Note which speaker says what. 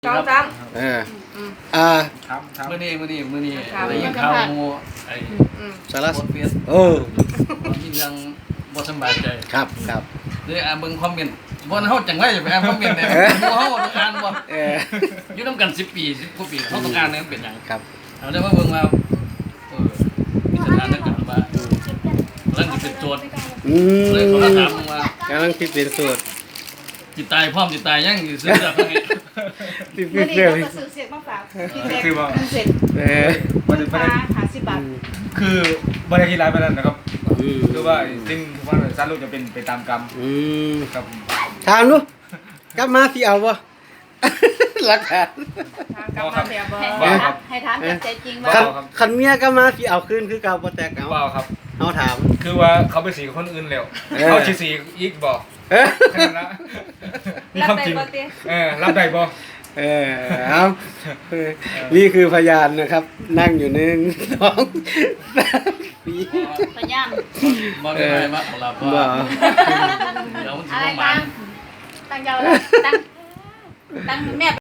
Speaker 1: สองสาม
Speaker 2: มื้อนี้ได้ยินข่าวหมู่ไอ้
Speaker 3: สารส
Speaker 2: โพสต์เฟซ มีเรื่องบ่สำบายใจ
Speaker 3: ครับ
Speaker 2: เด้เบิ่งคอมเมนต์บ่เฮาจังได๋ไปอ่านคอมเมนต์เนี่ยหมู่เฮาต้องอ่านบ่อยู่นำกัน10ปี10กว่าปีเฮาต้องอ่านเนี่ยมันเป็นหยัง
Speaker 3: ครับ
Speaker 2: เอาได้มาเบิ่งว่ามีสถานการณ์ว่ากำลังสิเป็นโจทย์เลยเขาถามว่าก
Speaker 3: ำลังคิดเป็นสูตร
Speaker 2: จิตตายพร้อมจิตตายยังสิซื้อเสื้อให้
Speaker 3: คิด
Speaker 1: วัน
Speaker 3: เรื่
Speaker 1: นี้
Speaker 3: อง
Speaker 1: เราก็ซื้อเสร็จมาฝากพี่แจ็คเสร็จ
Speaker 4: มันเป็น
Speaker 1: ปลา50 บาท
Speaker 4: คือบริการร้ายไปนั่นนะครับคือว่าสิ่งที่ว่าสารลูกจะเป็นไปตามกรรมครับ
Speaker 3: ถามดูกลับมาสิเอาบ่ หลักฐาน
Speaker 1: กลับมาแบบให้ถามจากใจจริงว่า
Speaker 3: คันเมียกลับมาสิเอาคืนคือเก่าบ่แตกเอา
Speaker 4: ว่าครับ
Speaker 3: เฮาถาม
Speaker 4: คือว่าเขาไปสีกับคนอื่นแล้วเขาชีสีอีกบอกแค่นั้นนะนี่คำจริงรับได้บ่
Speaker 3: เอานี่คือพยานนะครับ นั่งอยู่1 2 3 4
Speaker 1: พยายาม
Speaker 2: บ่ได้มาเอาล่ะบ่
Speaker 3: บ่
Speaker 2: เดี๋ยวมันสิ
Speaker 1: อะไร
Speaker 2: บ่หมา
Speaker 1: ตั้งยาวแล้วตั้งแม่